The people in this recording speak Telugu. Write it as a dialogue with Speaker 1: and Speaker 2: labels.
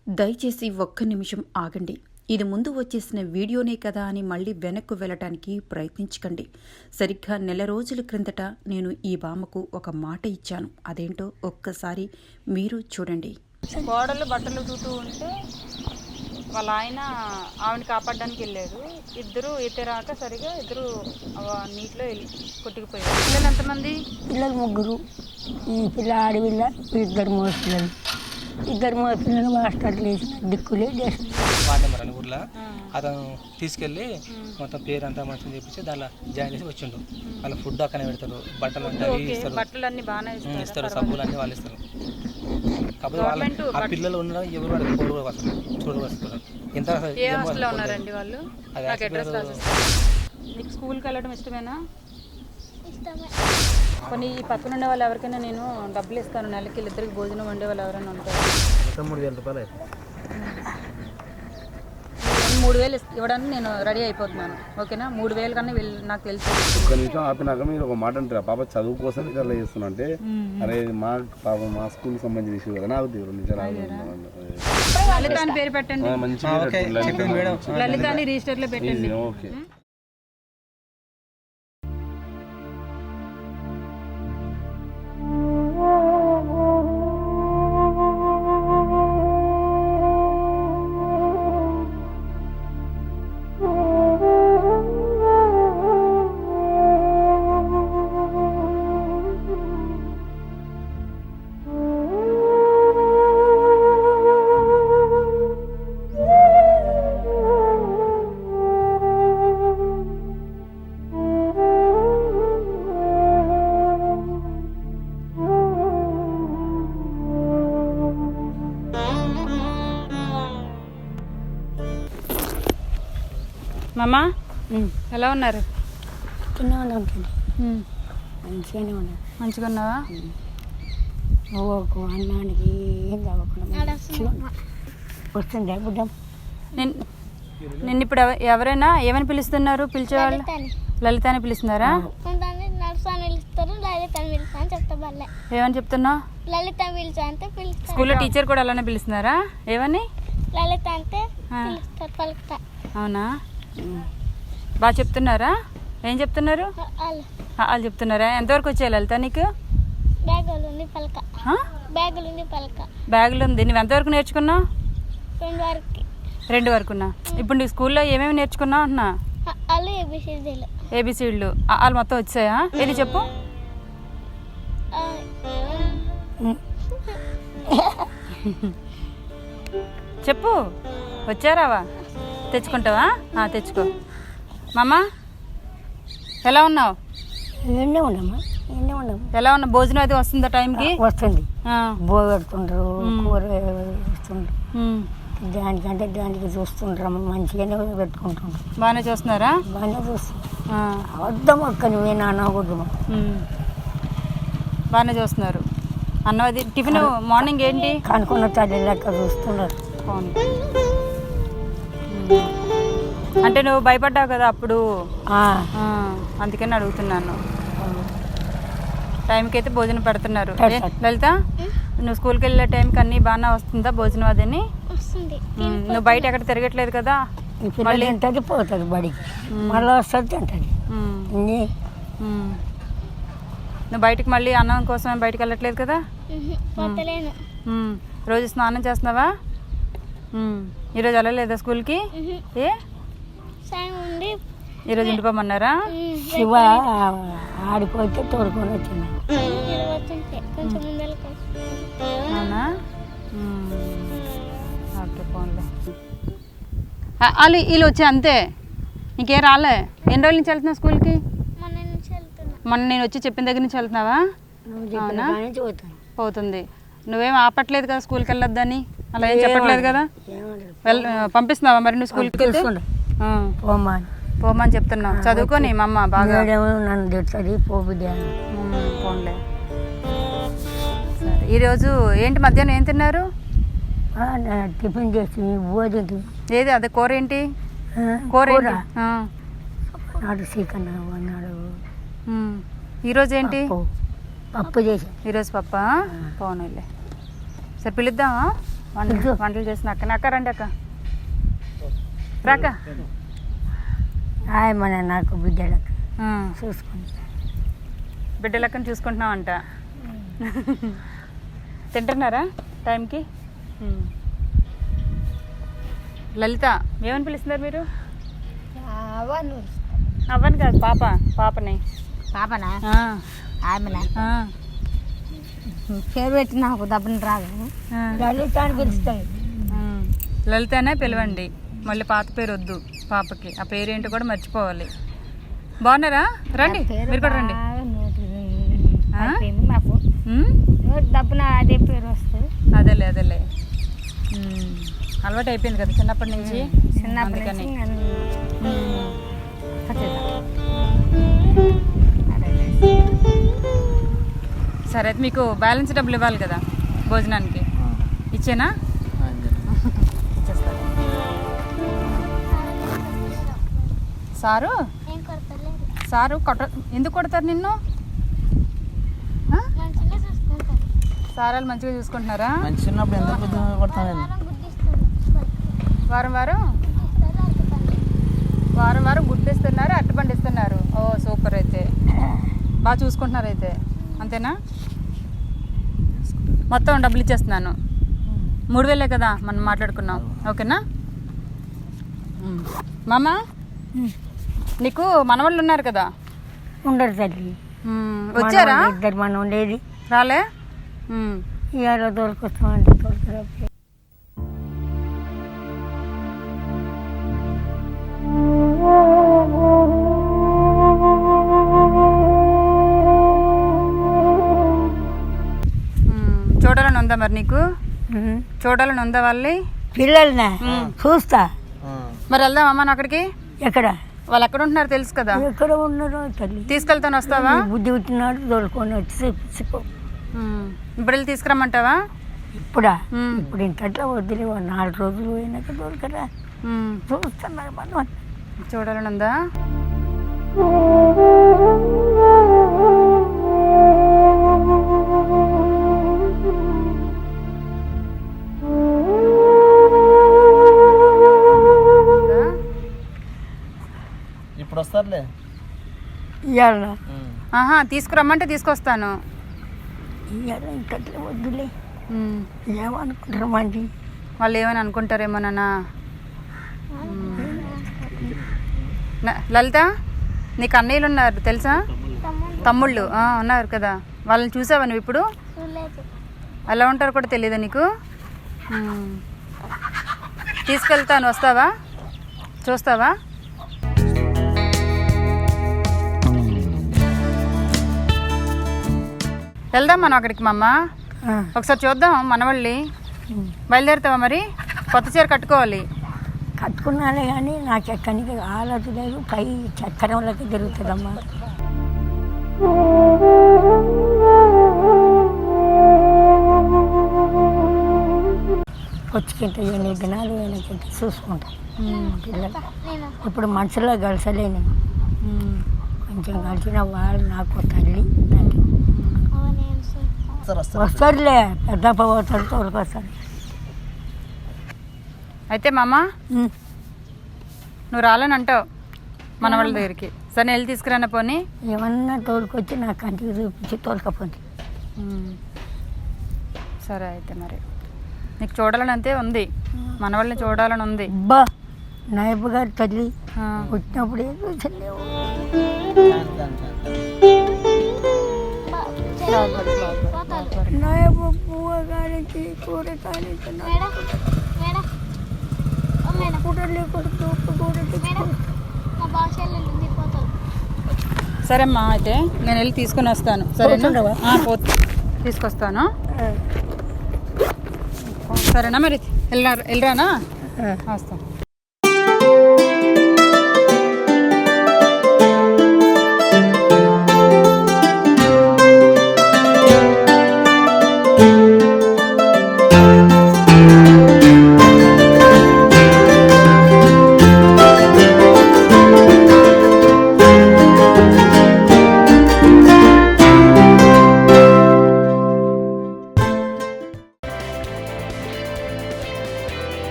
Speaker 1: దయచేసి ఒక్క నిమిషం ఆగండి. ఇది ముందు వచ్చేసిన వీడియోనే కదా అని మళ్ళీ వెనక్కు వెళ్ళటానికి ప్రయత్నించకండి. సరిగ్గా నెల రోజుల క్రిందట నేను ఈ బామ్మకు ఒక మాట ఇచ్చాను. అదేంటో ఒక్కసారి మీరు చూడండి.
Speaker 2: కోడలు బట్టలు ఉతుకుతూ ఉంటే వాళ్ళ ఆయన ఆవిడని కాపాడడానికి వెళ్ళాడు. ఇద్దరు ఈతరాక సరిగా ఇద్దరు నీటిలో కొట్టుకుపోయారు. పిల్లలు ఎంతమంది?
Speaker 3: పిల్లలు ముగ్గురు. ఈ పిల్ల ఆడపిల్ల, ఇద్దరు మగ పిల్లలు. ఇద్దరు మగ పిల్లలు మాస్టర్లు వేసిన దిక్కులే
Speaker 4: వార్డు నెంబర్ అని ఊర్లో అతను తీసుకెళ్ళి మొత్తం పేరు అంతా మంచిగా చేపించి దాంట్లో జాయిన్ చేసి వచ్చిండు. వాళ్ళ ఫుడ్ అక్కనే పెడతారు, బట్టలు అంటే ఇస్తారు,
Speaker 2: బట్టలు అన్ని బాగానే
Speaker 4: ఇస్తారు, సబ్బులు అన్నీ వాళ్ళు ఇస్తారు. కాకపోతే వాళ్ళ ఆ పిల్లలు ఉండడం ఎవరు వాడికి కోడు కూడా వస్తారు, చూడు వస్తారు. ఎంత
Speaker 2: ఉన్నారండి వాళ్ళు? నీకు స్కూల్కి వెళ్ళడం ఇష్టమేనా? కొన్ని ఈ పక్కన ఉండే వాళ్ళు ఎవరికైనా నేను డబ్బులు ఇస్తాను, నెలకి ఇద్దరికి భోజనం వండే వాళ్ళు ఎవరైనా ఉంటారు.
Speaker 4: 3,000 రూపాయలు
Speaker 2: 3,000 ఇవ్వడానికి నేను రెడీ అయిపోతున్నాను. ఓకేనా? 3,000 కన్నా నాకు తెలుసు.
Speaker 5: ఒక్క నిమిషం ఆపినాక మీరు ఒక మాట అంటారు, పాప చదువు కోసం ఇట్లా చేస్తున్నా అంటే, అరే మా పాప మా స్కూల్ సంబంధించిన ఇష్యూ కదా, నాకు 2 నిమిషాలు
Speaker 2: లలిత అని పేరు పెట్టండి. లలిత అని రిజిస్టర్ లో పెట్టండి.
Speaker 5: ఓకే.
Speaker 2: మామా ఎలా ఉన్నారు?
Speaker 3: మంచిగానే ఉన్నాను.
Speaker 2: మంచిగా ఉన్నావా?
Speaker 3: అన్నానికి ఏం కావకుండా వస్తుంది బుడ్డం.
Speaker 2: నిన్ను ఇప్పుడు ఎవరైనా ఏమని పిలుస్తున్నారు? పిలిచేవాళ్ళు లలిత అని పిలుస్తున్నారా? ఏమని చెప్తున్నావు?
Speaker 6: లలిత పిలిచా అంటే
Speaker 2: స్కూల్లో టీచర్ కూడా అలానే పిలుస్తున్నారా? ఏమని?
Speaker 6: లలిత అంటే పలుకుతా.
Speaker 2: అవునా? బాగా చెప్తున్నారా? ఏం చెప్తున్నారు? వాళ్ళు చెప్తున్నారా? ఎంతవరకు వచ్చాయి లలిత నీకు?
Speaker 6: బ్యాగులుంది పలక. బ్యాగులుంది పలక.
Speaker 2: బ్యాగులు ఉంది. నువ్వు ఎంతవరకు నేర్చుకున్నావు?
Speaker 6: 2 వరకు.
Speaker 2: 2 వరకున్నా. ఇప్పుడు నీ స్కూల్లో ఏమేమి నేర్చుకున్నావు అంటున్నా?
Speaker 6: వాళ్ళు
Speaker 2: ఏబిసిడ్లు వాళ్ళు మొత్తం వచ్చాయా? ఏది చెప్పు. చెప్పు. వచ్చారావా? తెచ్చుకుంటావా? తెచ్చుకో. మామ ఎలా ఉన్నావు? ఎలా ఉన్నావు? భోజనం అది వస్తుందా టైంకి?
Speaker 3: వస్తుంది. పెడుతుండ్రు, కూర ఇస్తుండ్రు, దానికంటే దానికి చూస్తుండ్రు, మంచిగానే పెట్టుకుంటుండ్రు.
Speaker 2: బాగానే చూస్తున్నారా?
Speaker 3: బాగానే చూస్తున్నా. వద్దాం అక్క నువ్వే నానకూడదు.
Speaker 2: బాగానే చూస్తున్నారు. అన్నం అది టిఫిన్ మార్నింగ్ ఏంటి?
Speaker 3: కనుక్కున్న తల్లి లెక్క చూస్తున్నారు.
Speaker 2: అంటే నువ్వు భయపడ్డావు కదా అప్పుడు, అందుకని అడుగుతున్నాను. టైంకి అయితే భోజనం పెడుతున్నారు. లలిత నువ్వు స్కూల్కి వెళ్ళే టైంకి అన్నీ బాగానే వస్తుందా భోజనం? అదని నువ్వు బయట ఎక్కడ తిరగట్లేదు కదా?
Speaker 3: మళ్ళీ తింటుంది, పోతుంది బడికి, మళ్ళీ వస్తుంది తింటుంది.
Speaker 2: నువ్వు బయటకు మళ్ళీ అన్నం కోసం బయటకు వెళ్ళట్లేదు కదా? రోజు స్నానం చేస్తున్నావా? ఈరోజు వెళ్ళలేదా స్కూల్కి? ఏ ఈరోజు ఇంటిపోమన్నారా?
Speaker 3: శివ ఆడిపోతే తోడుకొని వచ్చింది.
Speaker 2: అవునా? ఓకే పోన్లే. వాళ్ళు వీళ్ళు వచ్చి అంతే, ఇంకేం రాలే. ఎన్ని రోజుల నుంచి వెళ్తున్నావు స్కూల్కి? మొన్న నేను వచ్చి చెప్పిన దగ్గర నుంచి వెళ్తున్నావా? అవునా? పోతుంది. నువ్వేం ఆపట్లేదు కదా స్కూల్కి వెళ్ళొద్దని? అలా ఏం చెప్పట్లేదు కదా? పంపిస్తున్నావా మరి నువ్వు స్కూల్కి? పోమని చెప్తున్నావు. చదువుకొని మా అమ్మ బాగా
Speaker 3: నన్ను తెచ్చుది
Speaker 2: పోన్లే. సరే, ఈరోజు ఏంటి మధ్యాహ్నం ఏం తిన్నారు?
Speaker 3: టిఫిన్ చేసి భోజనం.
Speaker 2: ఏది అదే కూర ఏంటి? కూర
Speaker 3: నాడు చికెన్ అన్నాడు.
Speaker 2: ఈరోజు ఏంటి?
Speaker 3: పప్పు చేసి.
Speaker 2: ఈరోజు పప్ప. పోనీలే. సరే పిలుద్దామా? వంటలు చేసిన అక్క అక్క రండి అక్క రాక
Speaker 3: మన నాకు బిడ్డలకు చూసుకుంటా.
Speaker 2: బిడ్డలక్కని చూసుకుంటున్నావంట. తింటున్నారా టైంకి? లలిత ఏమని పిలుస్తున్నారు మీరు? అవ్వని కాదు పాపని.
Speaker 3: పాపనా
Speaker 2: ఆ,
Speaker 3: ఆమెనా
Speaker 2: ఆ,
Speaker 3: పేరు పెట్టి నాకు దబ్బని రాదు.
Speaker 2: ఆ.
Speaker 3: లలిత అని పిలుస్తాయి.
Speaker 2: లలితనే పిలవండి, మళ్ళీ పాత పేరు వద్దు పాపకి. ఆ పేరేంటో కూడా మర్చిపోవాలి. బాగున్నారా? రండి మీరు కూడా రండి. ఆ?
Speaker 3: నాకు
Speaker 2: ఉమ్?
Speaker 3: దబ్బున అదే పేరు వస్తుంది.
Speaker 2: అదేలే అలవాటు అయిపోయింది కదా చిన్నప్పటి నుంచి.
Speaker 3: చిన్నప్పటి
Speaker 2: అందుకని
Speaker 3: నుంచి
Speaker 2: సరే అయితే మీకు బ్యాలెన్స్ డబ్బులు ఇవ్వాలి కదా భోజనానికి, ఇచ్చేనా? ఇచ్చేస్తాను. సారు
Speaker 6: ఏం కొడతలేదు,
Speaker 2: సారు ఎందుకు కొడతారు నిన్ను?
Speaker 6: మంచిగా చూసుకుంటాను.
Speaker 2: సారాలు మంచిగా చూసుకుంటున్నారా?
Speaker 4: మంచి చిన్నప్పుడు ఎంత కొడతాను.
Speaker 2: వారం వారం గుడ్డిస్తున్నారు, అరటిపండు ఇస్తున్నారు. ఓ సూపర్, అయితే బాగా చూసుకుంటున్నారు అయితే, అంతేనా? మొత్తం డబ్బులు ఇచ్చేస్తున్నాను. 3000 కదా మనం మాట్లాడుకున్నాం, ఓకేనా? మామ నీకు మనవాళ్ళు ఉన్నారు కదా?
Speaker 3: ఉండరు తల్లి.
Speaker 2: వచ్చారా?
Speaker 3: ఇద్దరు మనం ఉండేది.
Speaker 2: రాలే?
Speaker 3: ఇవాళ దొరికొస్తామంటే దొరకరా.
Speaker 2: చూడాలని ఉందా మరి నీకు? చూడాలని ఉందా వాళ్ళని?
Speaker 3: పిల్లల్ని చూస్తా.
Speaker 2: మరి వెళ్దాం అమ్మ అక్కడికి.
Speaker 3: ఎక్కడ
Speaker 2: వాళ్ళు ఎక్కడ ఉంటున్నారు తెలుసు కదా?
Speaker 3: ఎక్కడ ఉన్నారో తల్లి.
Speaker 2: తీసుకెళ్తాను, వస్తావా?
Speaker 3: బుద్ధి పుట్టినాడు దొరుకుని వచ్చి చూపించుకో.
Speaker 2: ఇప్పుడు వెళ్ళి తీసుకురమ్మంటావా?
Speaker 3: ఇప్పుడా? ఇప్పుడు ఇంతట్లో వదిలే 4 రోజులు పోయినాక దొరకరా. చూస్తున్నారు మనం.
Speaker 2: చూడాలని ఉందా?
Speaker 4: ఇప్పుడు వస్తారులే.
Speaker 3: ఇవాళ
Speaker 2: ఆహా, తీసుకురమ్మంటే తీసుకొస్తాను.
Speaker 3: ఇవాళ ఇంతట్లో వద్దులే. ఏమనుకుంటారు మంది?
Speaker 2: వాళ్ళు ఏమని అనుకుంటారేమోనన్నా. లలిత నీకు అన్నయ్యలు ఉన్నారు తెలుసా? తమ్ముళ్ళు ఉన్నారు కదా, వాళ్ళని చూసావా నువ్వు ఇప్పుడు?
Speaker 6: చూడలేదు.
Speaker 2: ఎలా ఉంటారో కూడా తెలియదా నీకు? తీసుకెళ్తాను, వస్తావా? చూస్తావా? వెళ్దాం మనం అక్కడికి మా అమ్మ. ఒకసారి చూద్దాం మనవాళ్ళని. బయలుదేరుతావా మరి? కొత్త చీర కట్టుకోవాలి.
Speaker 3: కట్టుకున్నానే కానీ నాకు ఎక్కడికి ఆలోచన లేదు. పై చక్రంలోకి తిరుగుతుందమ్మా. వచ్చుకుంటే 8 దినాలు వెనకంటే చూసుకుంటా పిల్లలు. ఇప్పుడు మనసులో కలిసలేను. కొంచెం కలిసిన వాళ్ళు నాకు తల్లి వస్తారులే. పెద్ద పోతారు తోలుకొస్తారు.
Speaker 2: అయితే మామ నువ్వు రాలని అంటావు మన వాళ్ళ దగ్గరికి. సరే వెళ్ళి తీసుకురాన పోనీ.
Speaker 3: ఏమన్నా తోలుకొచ్చి నా కంటికి చూపించి తోలుకపోతే.
Speaker 2: సరే అయితే మరి నీకు చూడాలని అంతే ఉంది, మన వాళ్ళని చూడాలని ఉంది.
Speaker 3: అబ్బా నాయబు గారి తల్లి వచ్చినప్పుడు ఏం చూసలేవు. నాయబు పువ్వ కానించి కూర కానించి
Speaker 6: మా భాషలో పోతారు.
Speaker 2: సరే అమ్మా, అయితే నేను వెళ్ళి తీసుకుని వస్తాను. సరేనా? తీసుకొస్తాను. సరేనా మరి వెళ్ళరానా? వస్తాను.